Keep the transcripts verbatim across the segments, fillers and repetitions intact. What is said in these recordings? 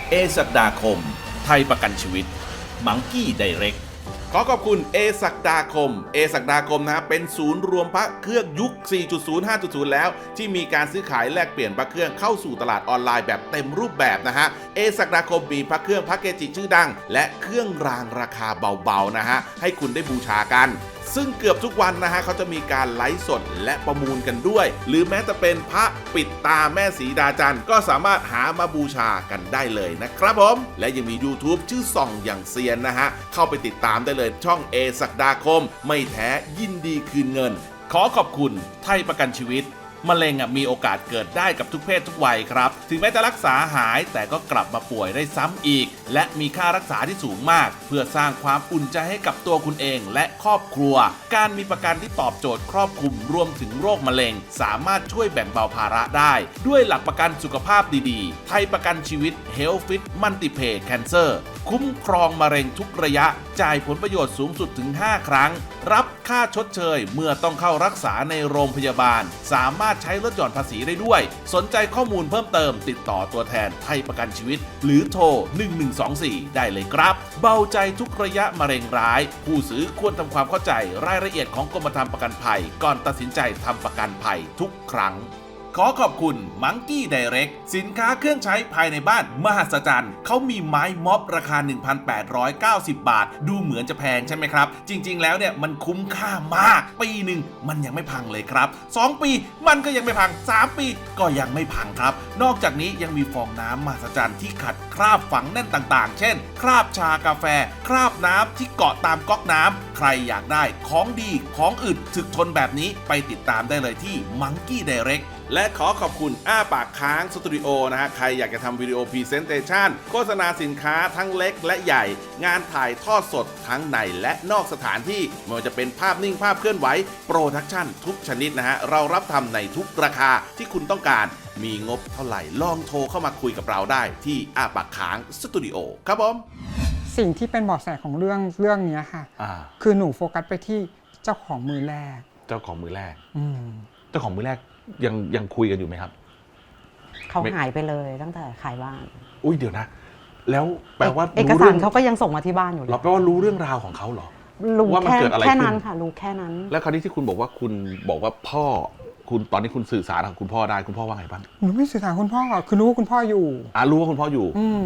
เอศักดาคมไทยประกันชีวิตมังกี้ไดเรกขอขอบคุณเอศักดาคมเอศักดาคมนะฮะเป็นศูนย์รวมพระเครื่องยุค สี่จุดศูนย์ ห้าจุดศูนย์ แล้วที่มีการซื้อขายแลกเปลี่ยนพระเครื่องเข้าสู่ตลาดออนไลน์แบบเต็มรูปแบบนะฮะเอศักดาคมมีพระเครื่องพระเกจิชื่อดังและเครื่องรางราคาเบาๆนะฮะให้คุณได้บูชากันซึ่งเกือบทุกวันนะฮะเขาจะมีการไลฟ์สดและประมูลกันด้วยหรือแม้จะเป็นพระปิดตาแม่สีดาจันทร์ก็สามารถหามาบูชากันได้เลยนะครับผมและยังมี YouTube ชื่อส่องอย่างเซียนนะฮะเข้าไปติดตามได้เลยช่องเอศักดาคมไม่แท้ยินดีคืนเงินขอขอบคุณไทยประกันชีวิตมะเร็งมีโอกาสเกิดได้กับทุกเพศทุกวัยครับถึงแม้จะรักษาหายแต่ก็กลับมาป่วยได้ซ้ำอีกและมีค่ารักษาที่สูงมากเพื่อสร้างความอุ่นใจให้กับตัวคุณเองและครอบครัวการมีประกันที่ตอบโจทย์ครอบคลุมรวมถึงโรคมะเร็งสามารถช่วยแบ่งเบาภาระได้ด้วยหลักประกันสุขภาพดีๆไทยประกันชีวิต Health Fit Multipay Cancer คุ้มครองมะเร็งทุกระยะจ่ายผลประโยชน์สูงสุดถึงห้าครั้งรับค่าชดเชยเมื่อต้องเข้ารักษาในโรงพยาบาลสามารถใช้ลดหย่อนภาษีได้ด้วยสนใจข้อมูลเพิ่มเติมติดต่อตัวแทนไทยประกันชีวิตหรือโทรหนึ่งหนึ่งสองสี่ได้เลยครับเบาใจทุกระยะมะเร็งร้ายผู้ซื้อควรทำความเข้าใจรายละเอียดของกรมธรรม์ประกันภัยก่อนตัดสินใจทำประกันภัยทุกครั้งขอขอบคุณมังกี้ไดเรกสินค้าเครื่องใช้ภายในบ้านมหัศจรรย์เขามีไม้ม็อบราคา หนึ่งพันแปดร้อยเก้าสิบ บาทดูเหมือนจะแพงใช่ไหมครับจริงๆแล้วเนี่ยมันคุ้มค่ามากปีหนึ่งมันยังไม่พังเลยครับสองปีมันก็ยังไม่พังสามปีก็ยังไม่พังครับนอกจากนี้ยังมีฟองน้ำมหัศจรรย์ที่ขัดคราบฝังแน่นต่างๆเช่นคราบชากาแฟคราบน้ำที่เกาะตามก๊อกน้ำใครอยากได้ของดีของอึดถึกทนแบบนี้ไปติดตามได้เลยที่มังกี้ไดเรกและขอขอบคุณอ้าปากค้างสตูดิโอนะฮะใครอยากจะทำวิดีโอพรีเซนเตชันโฆษณาสินค้าทั้งเล็กและใหญ่งานถ่ายทอดสดทั้งในและนอกสถานที่ไม่ว่าจะเป็นภาพนิ่งภาพเคลื่อนไหวโปรดักชั่นทุกชนิดนะฮะเรารับทำในทุกราคาที่คุณต้องการมีงบเท่าไหร่ลองโทรเข้ามาคุยกับเราได้ที่อ้าปากค้างสตูดิโอครับผมสิ่งที่เป็นเบาะแสของเรื่องเรื่องนี้ค่ะคือหนูโฟกัสไปที่เจ้าของมือแรกเจ้าของมือแรกอืมเจ้าของมือแรกยังยังคุยกันอยู่ไหมครับเขาหายไปเลยตั้งแต่ขายบ้านอุ้ยเดี๋ยวนะแล้วแปลว่าเอกสารเขาก็ยังส่งมาที่บ้านอยู่เราแปลว่ารู้เรื่องราวของเขาเหรอรู้ว่ามันเกิดอะไรขึ้นแค่นั้นค่ะรู้แค่นั้นแล้วคราวนี้ที่คุณบอกว่าคุณบอกว่าพ่อคุณตอนนี้คุณสื่อสารกับคุณพ่อได้คุณพ่อว่าไงบ้างหนูไม่สื่อสารคุณพ่อคือรู้ว่าคุณพ่ออยู่อ่ารู้ว่าคุณพ่ออยู่อืม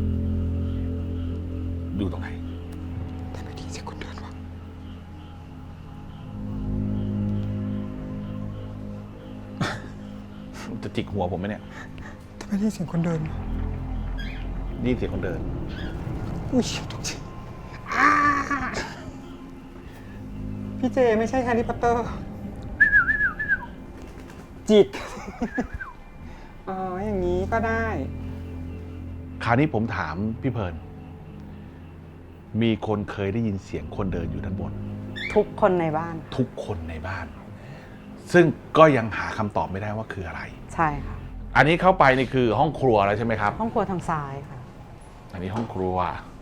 อยู่ตรงไหนแต่ไม่ดีสิคุณเดินวะจะจิกหัวผมไหมเนี่ยแต่ไม่ได้เสียงคนเดินนี่เสียงคนเดินอุ้ยตกใจพี่เจไม่ใช่แฮร์รี่พอตเตอร์จิกอ๋ออย่างนี้ก็ได้คราวนี้ผมถามพี่เพลิร์นมีคนเคยได้ยินเสียงคนเดินอยู่ด้านบนทุกคนในบ้านทุกคนในบ้านซึ่งก็ยังหาคำตอบไม่ได้ว่าคืออะไรใช่ค่ะอันนี้เข้าไปนี่คือห้องครัวแล้วใช่ไหมครับห้องครัวทางซ้ายค่ะอันนี้ห้องครัว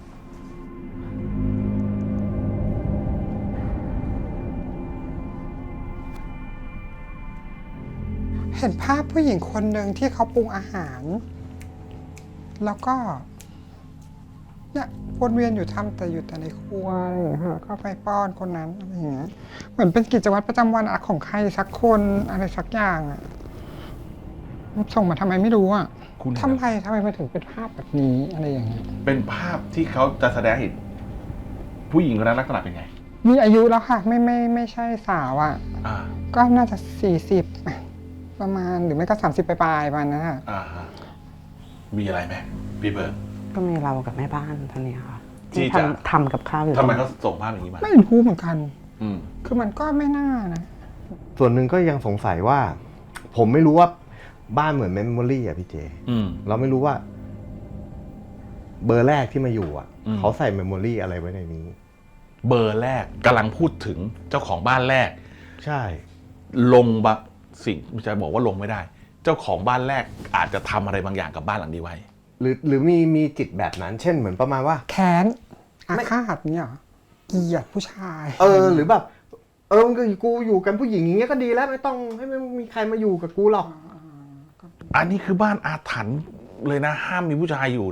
เห็นภาพผู้หญิงคนหนึ่งที่เขาปรุงอาหารแล้วก็เนี่ยวนเวียนอยู่ทำแต่อยู่แต่ในครัวอะไรอย่างเงี้ยก็ไปป้อนคนนั้นอะไรอย่างเงี้ยเหมือนเป็นกิจวัตรประจำวันของใครสักคนอะไรสักอย่างอ่ะส่งมาทำไมไม่รู้อ่ะทำไมทำไมมาถึงเป็นภาพแบบนี้อะไรอย่างเงี้ยเป็นภาพที่เขาจะแสดงเห็นผู้หญิงคนนั้นลักษณะเป็นไงมีอายุแล้วค่ะไม่ไม่ไม่ใช่สาวอ่ะก็น่าจะสี่สิบประมาณหรือไม่ก็สามสิบปลายๆประมาณนั้นค่ะมีอะไรไหมพี่เบิร์ดก็มีเรากับแม่บ้านท่านนี้ค่ะที่ทำทำกับข้าวอยู่ทำไมเขาส่งภาพอย่างนี้มาไม่รู้เหมือนกันคือมันก็ไม่น่านะส่วนหนึ่งก็ยังสงสัยว่าผมไม่รู้ว่าบ้านเหมือนเมมโมรี่อ่ะพี่เจเราไม่รู้ว่าเบอร์แรกที่มาอยู่อ่ะเขาใส่เมมโมรี่อะไรไว้ในนี้เบอร์แรกกำลังพูดถึงเจ้าของบ้านแรกใช่ลงบางสิ่งจะบอกว่าลงไม่ได้เจ้าของบ้านแรกอาจจะทำอะไรบางอย่างกับบ้านหลังนี้ไว้หรือหรือมีมีจิตแบบนั้นเช่นเหมือนประมาณว่าแค้นอาฆาตเนี่ยเกลียดผู้ชายเออหรือแบบเออกูอยู่กันผู้หญิงอย่างเงี้ยก็ดีแล้วไม่ต้องให้ไม่มีใครมาอยู่กับกูหรอกอันนี้คือบ้านอาถรรพ์เลยนะห้ามมีผู้ชายอยู่เนี่ย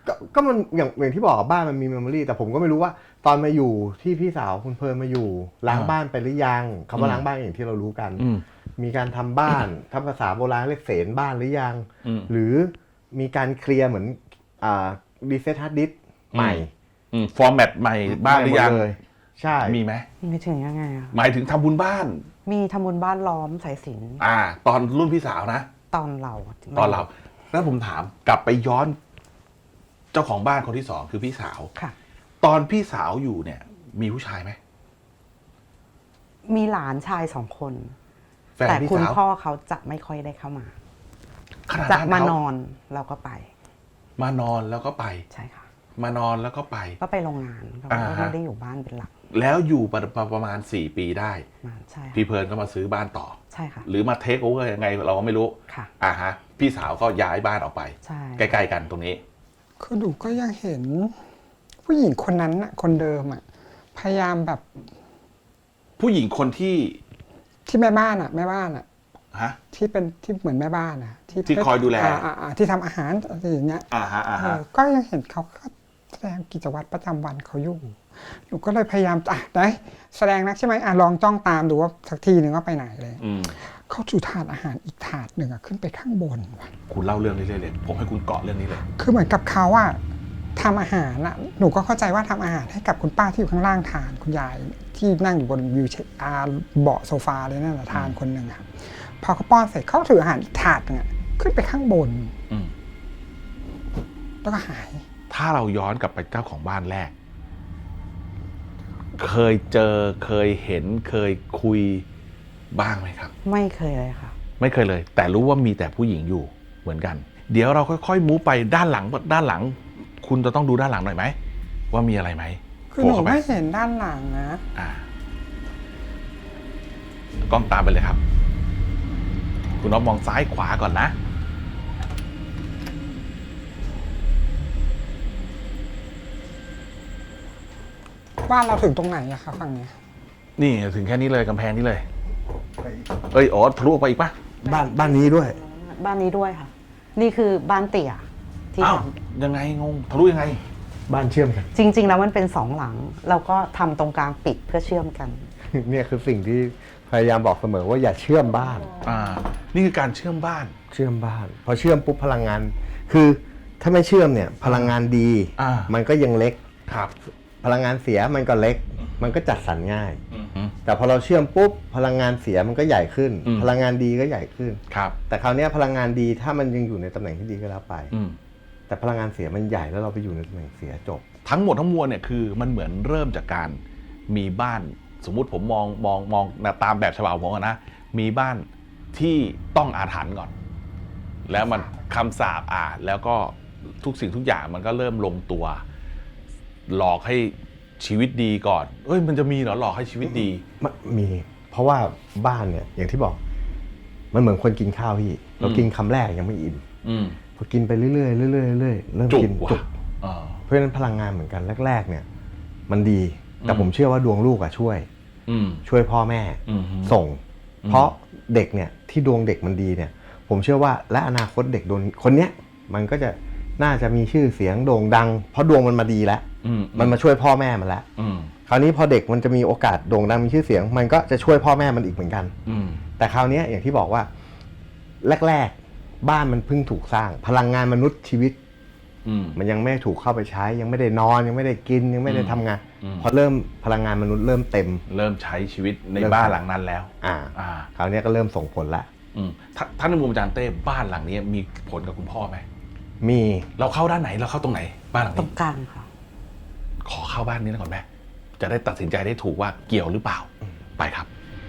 ก็ก็มันอย่างอย่างที่บอกบ้านมันมีเมมโมรีแต่ผมก็ไม่รู้ว่าตอนมาอยู่ที่พี่สาวคุณเพลินมาอยู่ล้างบ้านไปหรือยังคำว่าล้างบ้านอย่างที่เรารู้กันมีการทำบ้านทำภาษาโบราณเรียกเสนบ้านหรือยังหรือมีการเคลียร์เหมือนอ่ารีเซ็ตฮาร์ดดิสก์ใหม่ฟอร์แมตใหม่บ้านหรือยังใช่มีไหมไม่ถึงยังไงอ่ะหมายถึงทำบุญบ้านมีทำบุญบ้านล้อมสายสิญจน์อ่าตอนรุ่นพี่สาวนะตอนเราตอนเราแล้วผมถามกลับไปย้อนเจ้าของบ้านคนที่สองคือพี่สาวค่ะตอนพี่สาวอยู่เนี่ยมีผู้ชายไหมมีหลานชายสองคนแต่คุณพ่อเขาจะไม่ค่อยได้เข้ามาจะมานอนแล้วก็ไปมานอนแล้วก็ไปใช่ค่ะมานอนแล้วก็ไปก็ไปโรงงานเราไม่ได้อยู่บ้านเป็นหลักแล้วอยู่ประมาณสี่ปีได้ใช่พี่เพลินก็มาซื้อบ้านต่อใช่ค่ะหรือมาเทคโอเวอร์ยังไงเราก็ไม่รู้ค่ะอ่าฮะพี่สาวก็ย้ายบ้านออกไปใช่ใกล้ๆกันตรงนี้คือหนูก็ยังเห็นผู้หญิงคนนั้นน่ะคนเดิมอ่ะพยายามแบบผู้หญิงคนที่ที่แม่บ้านอ่ะแม่บ้านอ่ะฮะที่เป็นที่เหมือนแม่บ้านอ่ะที่ที่คอยดูแลที่ทำอาหารอะไรอย่างเงี้ยอ่าฮะอ่าฮะก็ยังเห็นเขาแสดงกิจวัตรประจำวันเขาอยู่หนูก็เลยพยายามอ่ะได้แสดงนักใช่ไหมอ่ะลองจ้องตามดูว่าสักทีหนึ่งว่าไปไหนเลยเขาจูถาดอาหารอีกถาดหนึ่งอ่ะขึ้นไปข้างบนคุณเล่าเรื่องนี้เลยเลยผมให้คุณเกาะเรื่องนี้เลยคือเหมือนกับเขาอ่ะทำอาหารอ่ะหนูก็เข้าใจว่าทำอาหารให้กับคุณป้าที่อยู่ข้างล่างทานคุณยายที่นั่งอยู่บนวิวแชร์เบาะโซฟาเลยนั่นแหละทานคนหนึ่งครับพอเขาป้อนเสร็จเขาถืออาหารอีกถาดนึงอ่ะขึ้นไปข้างบนแล้วก็หายถ้าเราย้อนกลับไปเจ้าของบ้านแรกเคยเจอเคยเห็นเคยคุยบ้างไหมครับไม่เคยเลยค่ะไม่เคยเลยแต่รู้ว่ามีแต่ผู้หญิงอยู่เหมือนกันเดี๋ยวเราค่อยๆมูฟไปด้านหลังด้านหลังคุณจะต้องดูด้านหลังหน่อยไหมว่ามีอะไรไหมคือหนูไม่เห็นด้านหลังนะอ่า กล้องตามไปเลยครับคุณน้องมองซ้ายขวาก่อนนะบ้านเราถึงตรงไหนอะคะฝั่งนี้นี่ถึงแค่นี้เลยกำแพงนี้เลยเอ้ยอ๋อทะลุไปอีกปะบ้านบ้านนี้ด้วยบ้านนี้ด้วยค่ะนี่คือบ้านเตี่ยที่ทำยังไงงงทะลุยังไงบ้านเชื่อมกันจริงๆแล้วมันเป็นสองหลังเราก็ทำตรงกลางปิดเพื่อเชื่อมกันเนี่ยคือสิ่งที่พยายามบอกเสมอว่าอย่าเชื่อมบ้านอ่านี่คือการเชื่อมบ้านเชื่อมบ้านพอเชื่อมปุ๊บพลังงานคือถ้าไม่เชื่อมเนี่ยพลังงานดีมันก็ยังเล็กครับพลังงานเสียมันก็เล็กมันก็จัดสรรง่ายแต่พอเราเชื่อมปุ๊บพลังงานเสียมันก็ใหญ่ขึ้นพลังงานดีก็ใหญ่ขึ้นครับแต่คราวนี้พลังงานดีถ้ามันยังอยู่ในตำแหน่งที่ดีก็แล้วไปแต่พลังงานเสียมันใหญ่แล้วเราไปอยู่ในตำแหน่งเสียจบทั้งหมดทั้งมวลเนี่ยคือมันเหมือนเริ่มจากการมีบ้านสมมุติผมมองมองมองตามแบบฉบับผมนะมีบ้านที่ต้องอาถรรพ์ก่อนแล้วมันคำสาปอ่านแล้วก็ทุกสิ่งทุกอย่างมันก็เริ่มลงตัวหลอกให้ชีวิตดีก่อนเอ้ยมันจะมีเหรอหลอกให้ชีวิตดีมีเพราะว่าบ้านเนี่ยอย่างที่บอกมันเหมือนคนกินข้าวพี่เรากินคำแรกยังไม่อิ่มพอกินไปเรื่อยๆเรื่อยๆเรื่อยๆเริ่มกินจุกเพราะฉะนั้นพลังงานเหมือนกันแรกๆเนี่ยมันดีแต่ผมเชื่อว่าดวงลูกอะช่วยช่วยพ่อแม่ส่งเพราะเด็กเนี่ยที่ดวงเด็กมันดีเนี่ยผมเชื่อว่าและอนาคตเด็กโดนคนเนี้ยมันก็จะน่าจะมีชื่อเสียงโด่งดังเพราะดวงมันมาดีแล้วมันมาช่วยพ่อแม่มันแล้วคราวนี้พอเด็กมันจะมีโอกาสโด่งดังมีชื่อเสียงมันก็จะช่วยพ่อแม่มันอีกเหมือนกันแต่คราวนี้อย่างที่บอกว่าแรกๆบ้านมันเพิ่งถูกสร้างพลังงานมนุษย์ชีวิตมันยังไม่ถูกเข้าไปใช้ยังไม่ได้นอนยังไม่ได้กินยังไม่ได้ทำงานพอเริ่มพลังงานมนุษย์เริ่มเต็มเริ่มใช้ชีวิตในบ้านหลังนั้นแล้วอ่าคราวนี้ก็เริ่มส่งผลละท่านในมุมอาจารย์เต้บ้านหลังนี้มีผลกับคุณพ่อไหมมีเราเข้าด้านไหนเราเข้าตรงไหนบ้านหลังนี้ตรงกลางค่ะขอเข้าบ้านนี้ก่อนไหมจะได้ตัดสินใจได้ถูกว่าเกี่ยวหรือเปล่าไปครับ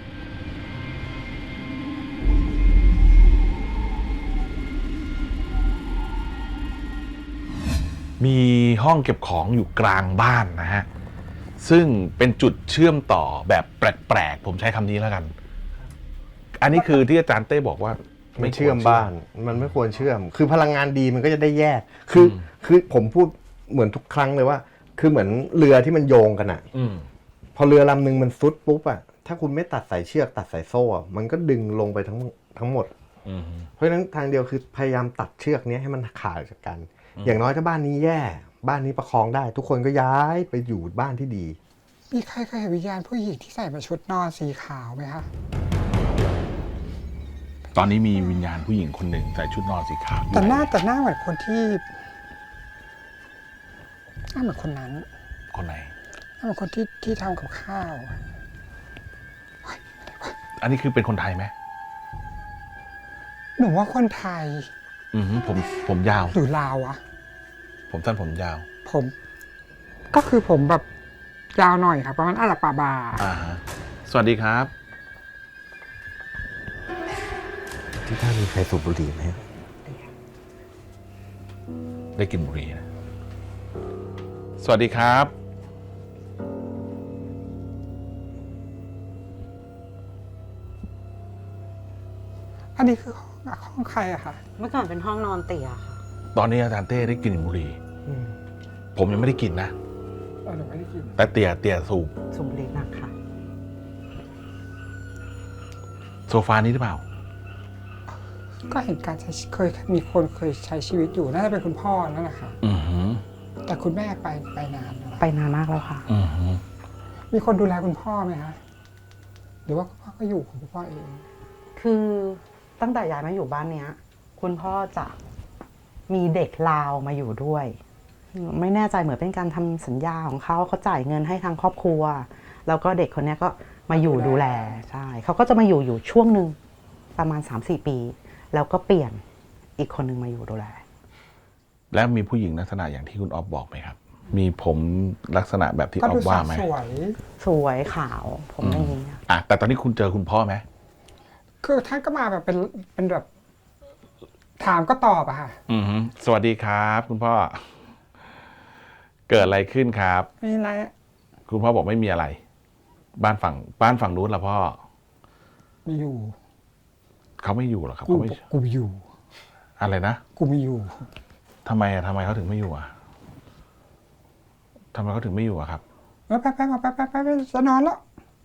มีห้องเก็บของอยู่กลางบ้านนะฮะซึ่งเป็นจุดเชื่อมต่อแบบแปลกๆผมใช้คำนี้แล้วกันอันนี้คือที่อาจารย์เต้บอกว่าไม่เชื่อมบ้านมันไม่ควรเชื่อมคือพลังงานดีมันก็จะได้แยกคือคือผมพูดเหมือนทุกครั้งเลยว่าคือเหมือนเรือที่มันโยงกันอ่ะพอเรือลำนึงมันซุดปุ๊บอ่ะถ้าคุณไม่ตัดสายเชือกตัดสายโซ่มันก็ดึงลงไปทั้งทั้งหมดเพราะฉะนั้นทางเดียวคือพยายามตัดเชือกนี้ให้มันขาดจากกันอย่างน้อยถ้าบ้านนี้แย่ บ้านนี้ประคองได้ ทุกคนก็ย้ายไปอยู่บ้านที่ดีมีใครเคยเห็นวิญญาณผู้หญิงที่ใส่มาชุดนอนสีขาวไหมคะตอนนี้มีวิญญาณผู้หญิงคนหนึ่งใส่ชุดนอนสีขาวอยู่แต่หน้าแต่หน้าเหมือนคนที่หน้าเหมือนคนนั้นคนไหนหน้าเหมือนคนที่ที่ทำกับข้าวอันนี้คือเป็นคนไทยไหมหนูว่าคนไทยอือหือผมผมยาวหรือลาวอะผมสั้นผมยาวผม ก็คือผมแบบยาวหน่อยครับประมาณอาหรับปาบาอ่าฮะสวัสดีครับที่ท่านมีใครสูบบุหรี่ไหมได้กลินบุหรี่นะ สวัสดีครับอันนี้คือห้องห้องใครอะคะเมื่อก่อนเป็นห้องนอนเตี่ยค่ะตอนนี้อาจารย์เต้ได้กลิ่นบุหรี่ ผมยังไม่ได้กลิ่นนะเออหนูไม่ได้กินแต่เตี่ยเตี่ยสูบสูบบุหรี่หนักค่ะโซฟานี้หรือเปล่าก็เห็นการใช้เคยมีคนเคยใช้ชีวิตอยู่น่าจะเป็นคุณพ่อนั่นแหละค่ะอือหือแต่คุณแม่ไปไปนานแล้วไปนานมากแล้วค่ะอือหือมีคนดูแลคุณพ่อไหมคะหรือว่าคุณพ่อก็อยู่ของคุณพ่อเองคือตั้งแต่ย้ายมาอยู่บ้านเนี้ย คุณพ่อจะมีเด็กลาวมาอยู่ด้วย ไม่แน่ใจเหมือนเป็นการทำสัญญาของเขาเขาจ่ายเงินให้ทางครอบครัว แล้วก็เด็กคนเนี้ยก็มาอยู่ดูแลใช่เขาก็จะมาอยู่อยู่ช่วงหนึ่งประมาณ สามสี่ ปี แล้วก็เปลี่ยนอีกคนหนึ่งมาอยู่ดูแลแล้วมีผู้หญิงลักษณะอย่างที่คุณออฟบอกไหมครับ มีผมลักษณะแบบที่อก็อดูฟสาว่าว ไหมสวยสวยขาวผมอย่างนี้อะอ่ะแต่ตอนนี้คุณเจอคุณพ่อไหมคือท่านก็มาแบบเป็นเป็นแบบ ถามก็ตอบอะค่ะอือหือสวัสดีครับ คุณพ่อ เกิดอะไรขึ้นครับมีอะไรอะคุณพ่อบอกไม่มีอะไร บ้านฝั่งบ้านฝั่งนู้นละพ่อมีอยู่เขาไม่อยู่หรอครับกูเขาไม่กูอยู่อะไรนะกูมีอยู่ทำไมอะทำไมเขาถึงไม่อยู่อะทำไมเขาถึงไม่อยู่อะครับเออไปไปมาไปไปไปไปจะนอนแล้ว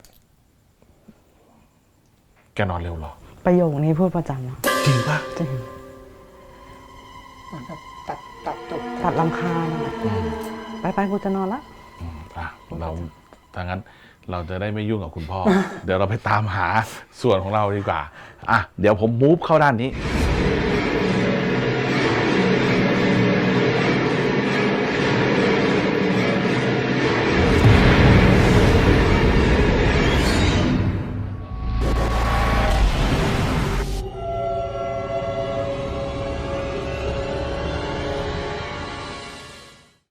แกนอนเร็วเหรอประโยคนี้พูดประจำอะจริงปะจริงเหมือนแบบตัดตัดจบตัดลำคาญอะไปไปกูจะนอนละอืมอ่ะเราถ้างั้นเราจะได้ไม่ยุ่งกับคุณพ่อ เดี๋ยวเราไปตามหาส่วนของเราดีกว่า อ่ะ เดี๋ยวผมมูฟเข้าด้านนี้